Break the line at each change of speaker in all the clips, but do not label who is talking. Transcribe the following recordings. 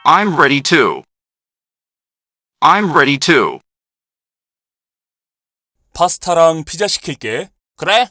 I'm ready to. I'm ready to.
파스타랑 피자 시킬게. 그래?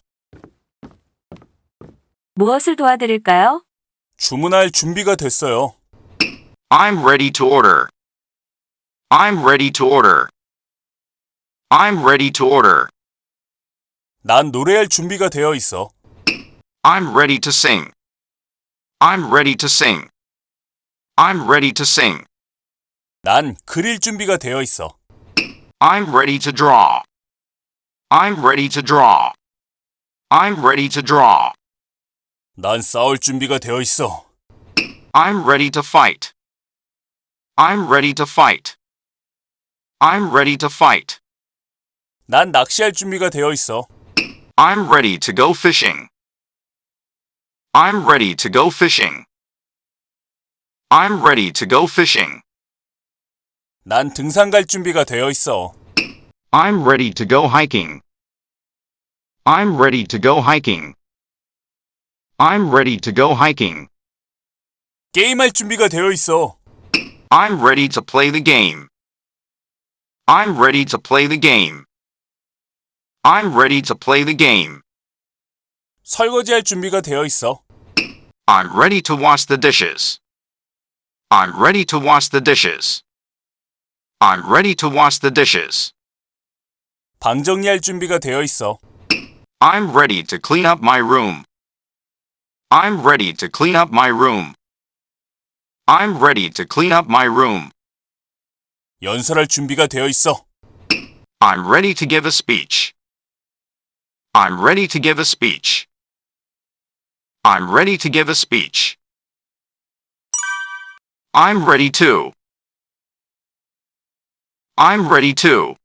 무엇을 도와드릴까요?
주문할 준비가 됐어요.
I'm ready to order. I'm ready to order. I'm ready to order.
난 노래할 준비가 되어 있어.
I'm ready to sing. I'm ready to sing. I'm ready to sing.
난 그릴 준비가 되어 있어.
I'm ready to draw. I'm ready to draw. I'm ready to draw.
난 싸울 준비가 되어 있어.
I'm ready to fight. I'm ready to fight. I'm ready to fight.
난 낚시할 준비가 되어 있어.
I'm ready to go fishing. I'm ready to go fishing. I'm ready to go fishing.
난 등산 갈 준비가 되어 있어.
I'm ready to go hiking. I'm ready to go hiking. I'm ready to go hiking.
게임할 준비가 되어 있어.
I'm ready to play the game. I'm ready to play the game. I'm ready to play the game.
설거지할 준비가 되어 있어.
I'm ready to wash the dishes. I'm ready to wash the dishes. I'm ready to wash the dishes.
방 정리할 준비가 되어 있어.
I'm ready to clean up my room. I'm ready to clean up my room. I'm ready to clean up my room.
연설할 준비가 되어 있어.
I'm ready to give a speech. I'm ready to give a speech. I'm ready to give a speech. I'm ready to. I'm ready to.